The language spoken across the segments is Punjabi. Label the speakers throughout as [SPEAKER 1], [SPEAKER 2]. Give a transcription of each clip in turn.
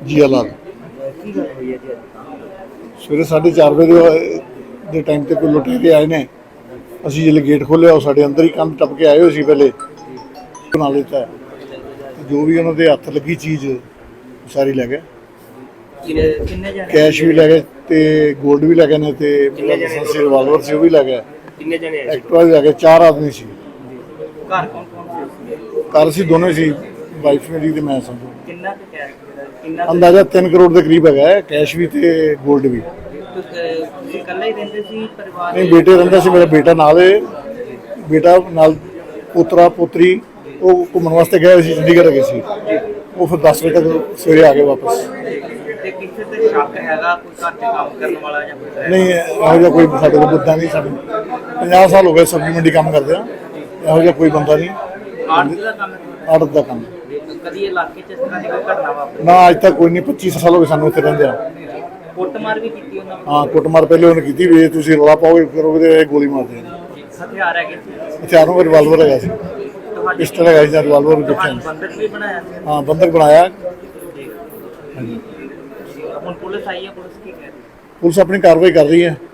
[SPEAKER 1] ਜੀਆ ਲਾਲ।
[SPEAKER 2] ਕੀ ਗੱਲ ਹੋਈ ਹੈ ਜੀ ਅੱਜ?
[SPEAKER 1] ਸਵੇਰੇ 4:30 ਦੇ ਟਾਈਮ ਤੇ ਕੋਈ ਲੁਟੇਰੇ ਆਏ ਨੇ। ਅਸੀਂ ਜਦੋਂ ਗੇਟ ਖੋਲ੍ਹਿਆ ਉਹ ਸਾਡੇ ਅੰਦਰ ਹੀ ਕੰਧ ਟੱਪ ਕੇ ਆਏ ਹੋਏ ਸੀ। ਪਹਿਲੇ ਬਣਾ ਲਿੱਤਾ, ਜੋ ਵੀ ਉਹਨਾਂ ਦੇ ਹੱਥ ਲੱਗੀ ਚੀਜ਼ ਸਾਰੀ ਲੈ ਗਏ।
[SPEAKER 2] ਕਿੰਨੇ ਜਣੇ?
[SPEAKER 1] ਕੈਸ਼ ਵੀ ਲੈ ਗਏ ਤੇ ਗੋਲਡ ਵੀ ਲੈ ਗਏ ਨੇ ਤੇ ਲਾਇਸੈਂਸੀ ਰਿਵਾਲਵਰ ਸੀ ਉਹ ਵੀ ਲੈ ਗਏ।
[SPEAKER 2] ਕਿੰਨੇ ਜਣੇ ਆਏ?
[SPEAKER 1] ਐਕਟਿਵਾ ਵੀ ਲੈ ਗਏ। 4 ਆਦਮੀ ਸੀ।
[SPEAKER 2] ਘਰ ਕੌਣ ਕੌਣ ਸੀ?
[SPEAKER 1] ਘਰ ਅਸੀਂ ਦੋਨੇ ਸੀ, ਵਾਈਫ ਮੇਰੀ ਤੇ ਮੈਂ ਸਮਝੋ।
[SPEAKER 2] ਕਿੰਨਾ ਕੁ ਕੈਸ਼ ਕਿੰਨਾ
[SPEAKER 1] ਅੰਦਾਜ਼ਾ 3 ਕਰੋੜ ਦੇ ਕਰੀਬ ਹੈਗਾ ਹੈ, ਕੈਸ਼ ਵੀ ਤੇ ਗੋਲਡ ਵੀ।
[SPEAKER 2] ਤੁਸੀਂ ਇਕੱਲੇ ਹੀ ਰਹਿੰਦੇ ਸੀ ਪਰਿਵਾਰ?
[SPEAKER 1] ਨਹੀਂ, ਬੇਟੇ ਰਹਿੰਦਾ ਸੀ, ਮੇਰਾ ਬੇਟਾ ਨਾਲ ਹੈ। ਬੇਟਾ ਨਾਲ ਪੋਤਰਾ ਪੋਤਰੀ ਉਹ ਘੁੰਮਣ ਵਾਸਤੇ ਗਏ ਸੀ, ਚੰਡੀਗੜ੍ਹ ਗਏ ਸੀ। ਉਹ ਫਿਰ 10 ਵਜੇ ਤੱਕ ਸਵੇਰੇ ਆ ਗਏ ਵਾਪਸ।
[SPEAKER 2] ਤੇ ਕਿਸੇ ਤੇ ਸ਼ੱਕ ਹੈਗਾ ਕੋਈ ਘਰ 'ਚ ਕੰਮ ਕਰਨ ਵਾਲਾ ਜਾਂ ਕੋਈ?
[SPEAKER 1] ਨਹੀਂ, ਇਹੋ ਜਿਹਾ ਕੋਈ ਸਾਡੇ ਕੋਲ ਬੰਦਾ ਨਹੀਂ। ਸਾਡੇ 50 ਸਾਲ ਹੋ ਗਏ ਸਬਜ਼ੀ ਮੰਡੀ ਕੰਮ ਕਰਦੇ ਆ। ਇਹੋ ਜਿਹਾ ਕੋਈ ਬੰਦਾ ਨਹੀਂ।
[SPEAKER 2] ਆੜਤ ਦਾ ਕੰਮ?
[SPEAKER 1] ਆੜਤ ਦਾ ਕੰਮ।
[SPEAKER 2] ਕਦੀ ਇਲਾਕੇ 'ਚ ਇਸ ਤਰ੍ਹਾਂ ਦੀ ਕੋਈ ਘਟਨਾ ਵਾਪਰੀ?
[SPEAKER 1] ਨਾ, ਅੱਜ ਤੱਕ ਕੋਈ ਨਹੀਂ। 25 ਸਾਲ ਹੋ ਗਏ ਸਾਨੂੰ ਇੱਥੇ ਰਹਿੰਦੇ ਆ।
[SPEAKER 2] ਕੁੱਟਮਾਰ ਵੀ ਕੀਤੀ ਉਹਨਾਂ ਨੇ?
[SPEAKER 1] ਹਾਂ, ਕੁੱਟਮਾਰ ਪਹਿਲੇ ਉਹਨੇ ਕੀਤੀ ਵੀ ਤੁਸੀਂ ਰੌਲਾ ਪਾਓਗੇ ਕਰੋਗੇ ਤੇ ਗੋਲੀ ਮਾਰ ਦੇਣੀ।
[SPEAKER 2] ਹਥਿਆਰ ਹੈਗੇ ਸੀ?
[SPEAKER 1] ਹਥਿਆਰਾਂ ਦਾ ਰਿਵਾਲਵਰ ਹੈਗਾ ਸੀ, ਪਿਸਟਲ ਹੈਗਾ ਸੀ ਜਾਂ ਰਿਵਾਲਵਰ ਵੀ ਦੇਖਿਆ।
[SPEAKER 2] ਬੰਦਕ ਵੀ ਬਣਾਇਆ ਸੀ?
[SPEAKER 1] ਹਾਂ, ਬੰਦਕ ਬਣਾਇਆ।
[SPEAKER 2] ਹਾਂਜੀ। ਹੁਣ ਪੁਲਿਸ ਆਈ ਹੈ, ਪੁਲਿਸ ਕੀ ਕਹਿ ਰਹੀ ਹੈ?
[SPEAKER 1] ਪੁਲਿਸ ਆਪਣੀ ਕਾਰਵਾਈ ਕਰ ਰਹੀ ਹੈ।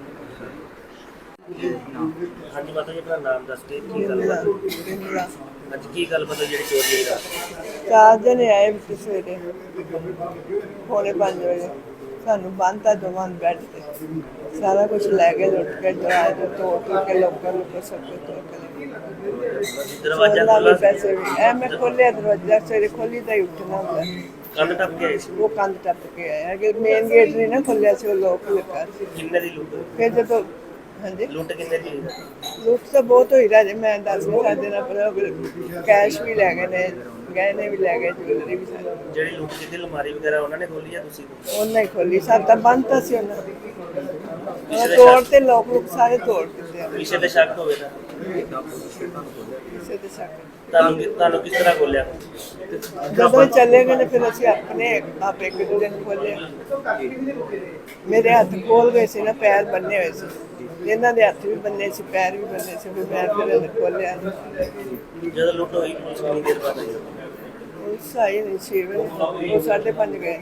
[SPEAKER 2] ਹਾਂਜੀ ਮਾਤਾ ਜੀ, ਆਪਣਾ ਨਾਮ ਦੱਸ ਕੇ ਕੀ ਗੱਲ? ਅੱਜ ਕੀ ਗੱਲ ਪਤਾ ਜਿਹੜੀ ਚੋਰੀ ਹੋਈ ਰਾਤ?
[SPEAKER 3] 4 ਜਣੇ ਆਏ ਵਿੱਚ ਸਵੇਰੇ ਪੌਣੇ 5 ਵਜੇ। ਸਾਨੂੰ ਬੰਨ੍ਹਤਾ ਦੋਵਾਂ ਨੂੰ ਬੈੱਡ ਤੇ। ਸਾਰਾ ਕੁਝ ਲੈ ਕੇ ਲੁੱਟ ਕੇ ਦਰਵਾਜ਼ੇ ਤੋੜ ਕੇ ਲੋਕਾਂ ਨੂੰ ਸਭ ਕੁਝ ਤੋੜ ਕੇ
[SPEAKER 2] ਦਰਵਾਜ਼ਾ
[SPEAKER 3] ਖੋਲ੍ਹਿਆ।
[SPEAKER 2] ਖੋਲ੍ਹਾ?
[SPEAKER 3] ਪੈਸੇ ਵੀ ਮੈਂ ਖੋਲ੍ਹਿਆ ਦਰਵਾਜ਼ਾ। ਸਵੇਰੇ ਖੋਲ੍ਹੀ ਤਾਂ ਹੀ ਉੱਠਣਾ ਹੁੰਦਾ।
[SPEAKER 2] ਕੰਧ ਟੱਪ ਕੇ ਆਏ ਸੀ?
[SPEAKER 3] ਉਹ ਕੰਧ ਟੱਪ ਕੇ ਆਇਆ ਕਿ ਮੇਨ ਗੇਟ ਨਹੀਂ ਨਾ ਖੋਲ੍ਹਿਆ ਸੀ, ਉਹ ਲੋਕ ਲੱਗਾ ਸੀ।
[SPEAKER 2] ਕਿੰਨੇ ਦੀ ਲੁੱਟ?
[SPEAKER 3] ਫਿਰ ਜਦੋਂ ਹਾਂਜੀ
[SPEAKER 2] ਲੁੱਟ ਕਿੰਨੇ ਦੀ?
[SPEAKER 3] ਲੁੱਟ ਤਾਂ ਬਹੁਤ ਹੋਈ ਰਾਜੇ, ਮੈਂ ਦੱਸ ਨਹੀਂ ਸਕਦੇ ਨਾ, ਪਰ ਕੈਸ਼ ਵੀ ਲੈ ਗਏ ਨੇ, ਗਹਿਣੇ ਵੀ ਲੈ ਗਏ, ਜੁਐਲਰੀ ਵੀ ਸਾਰੀ।
[SPEAKER 2] ਜਿਹੜੀ ਲੁੱਟ ਕੀਤੀ ਅਲਮਾਰੀ ਵਗੈਰਾ ਉਹਨਾਂ ਨੇ ਖੋਲੀ ਆ ਤੁਸੀਂ?
[SPEAKER 3] ਉਹਨਾਂ ਹੀ ਖੋਲੀ। ਸਾਡਾ ਬੰਦ ਤਾਂ ਸੀ ਉਹਨਾਂ ਦੀ। ਤੋੜ ਤੇ ਲੋਕ ਸਾਰੇ ਤੋੜ ਦਿੱਤੇ ਆ।
[SPEAKER 2] ਕਿਸੇ ਤੇ ਸ਼ੱਕ ਹੋਵੇ ਤਾਂ?
[SPEAKER 3] ਕਿਸੇ ਤੇ ਸ਼ੱਕ।
[SPEAKER 2] ਤੁਹਾਨੂੰ ਕਿਸ ਤਰ੍ਹਾਂ ਖੋਲਿਆ?
[SPEAKER 3] ਜਦੋਂ ਚਲੇ ਗਏ ਨੇ ਫਿਰ ਅਸੀਂ ਆਪਣੇ ਆਪ ਇੱਕ ਦੂਜੇ ਨੂੰ ਖੋਲਿਆ। ਮੇਰੇ ਹੱਥ ਖੋਲ ਗਏ ਸੀ ਨਾ, ਪੈਰ ਬੰਨੇ ਹੋਏ ਸੀ। ਇਹਨਾਂ ਦੇ ਹੱਥ ਵੀ ਬੰਨੇ ਸੀ, ਪੈਰ ਵੀ ਬੰਨੇ ਸੀ। ਫਿਰ ਮੈਂ ਫਿਰ ਖੋਲਿਆ।
[SPEAKER 2] ਜਦੋਂ ਲੁੱਟ ਹੋਈ ਪੁਲਿਸ ਕਿੰਨੀ ਦੇਰ ਬਾਅਦ ਆਈ?
[SPEAKER 3] ਉਸ ਆਈ ਨਹੀਂ ਸੀ, ਉਹ 5:30 ਗਏ।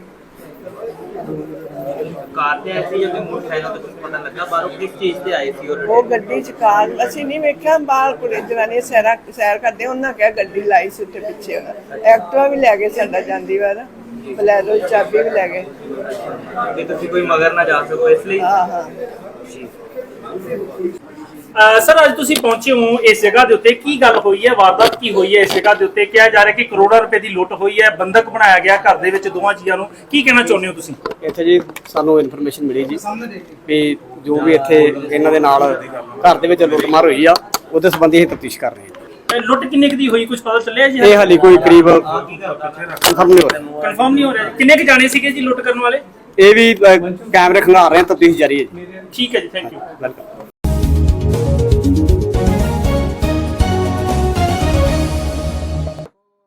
[SPEAKER 2] ਕਾਰ ਤੇ ਆਏ ਸੀ ਜਾਂ ਮੋਟਰਸਾਈਕਲ ਤੇ? ਕੁਝ ਪਤਾ ਲੱਗਾ ਬਾਹਰੋਂ ਕਿਸ ਚੀਜ਼ ਤੇ ਆਏ ਸੀ?
[SPEAKER 3] ਉਹ ਗੱਡੀ ਚ ਕਾਰ ਅਸੀਂ ਨਹੀਂ ਵੇਖਿਆ। ਬਾਹਰ ਕੁੜੇ ਜਨਾਨੀ ਸੈਰ ਕਰਦੇ, ਉਹਨਾਂ ਕਿਹਾ ਗੱਡੀ ਲਾਈ ਸੀ ਉੱਥੇ ਪਿੱਛੇ। ਐਕਟਿਵਾ ਵੀ ਲੈ ਗਏ ਸਾਡਾ ਜਾਂਦੀ ਵਾਰ, ਬਲੈਰੋ ਦੀ ਚਾਬੀ ਵੀ ਲੈ ਗਏ।
[SPEAKER 2] ਕਿ ਤੁਸੀਂ ਕੋਈ ਮਗਰ ਨਾ ਜਾ ਸਕੋ ਇਸ ਲਈ?
[SPEAKER 3] ਹਾਂ ਹਾਂ।
[SPEAKER 4] ਸਰ, ਅੱਜ ਤੁਸੀਂ ਪਹੁੰਚੇ ਹੋ ਇਸ ਜਗ੍ਹਾ ਦੇ ਉੱਤੇ, ਕੀ ਗੱਲ ਹੋਈ ਹੈ? ਵਾਰਦਾਤ ਕੀ ਹੋਈ ਹੈ ਇਸ ਜਗ੍ਹਾ ਦੇ ਉੱਤੇ? ਕਿਹਾ ਜਾ ਰਿਹਾ ਕਿ ਕਰੋੜਾਂ ਰੁਪਏ ਦੀ ਲੁੱਟ ਹੋਈ ਹੈ, ਬੰਦਕ ਬਣਾਇਆ ਗਿਆ ਘਰ ਦੇ ਵਿੱਚ ਦੋਵਾਂ ਜੀਆਂ ਨੂੰ। ਕੀ ਕਹਿਣਾ ਚਾਹੁੰਦੇ ਹੋ ਤੁਸੀਂ?
[SPEAKER 5] ਇੱਥੇ ਜੀ ਸਾਨੂੰ ਇਨਫੋਰਮੇਸ਼ਨ ਮਿਲੀ ਜੀ ਵੀ ਜੋ ਵੀ ਇੱਥੇ ਇਹਨਾਂ ਦੇ ਨਾਲ ਘਰ ਦੇ ਵਿੱਚ ਲੁੱਟਮਾਰ ਹੋਈ ਆ, ਉਹਦੇ ਸੰਬੰਧੀ ਅਸੀਂ ਤਫਤੀਸ਼ ਕਰ ਰਹੇ ਹਾਂ।
[SPEAKER 4] ਲੁੱਟ ਕਿੰਨੇ ਕੁ ਦੀ ਹੋਈ, ਕੁਝ ਪਤਾ ਚੱਲਿਆ ਜੀ?
[SPEAKER 5] ਇਹ ਹਾਲੇ ਕੋਈ ਕਰੀਬ ਕਨਫਰਮ ਨਹੀਂ ਹੋ ਰਿਹਾ।
[SPEAKER 4] ਕਨਫਰਮ ਨਹੀਂ ਹੋ ਰਿਹਾ। ਕਿੰਨੇ ਕੁ ਜਾਣੇ ਸੀਗੇ ਜੀ ਲੁੱਟ ਕਰਨ ਵਾਲੇ?
[SPEAKER 5] ਇਹ ਵੀ ਕੈਮਰੇ ਖੰਗਾਰ ਰਹੇ ਹਾਂ, ਤਫਤੀਸ਼ ਜਾਰੀ ਹੈ ਜੀ।
[SPEAKER 4] ਠੀਕ ਹੈ ਜੀ, ਥੈਂਕ ਯੂ।
[SPEAKER 5] ਵੈਲਕਮ।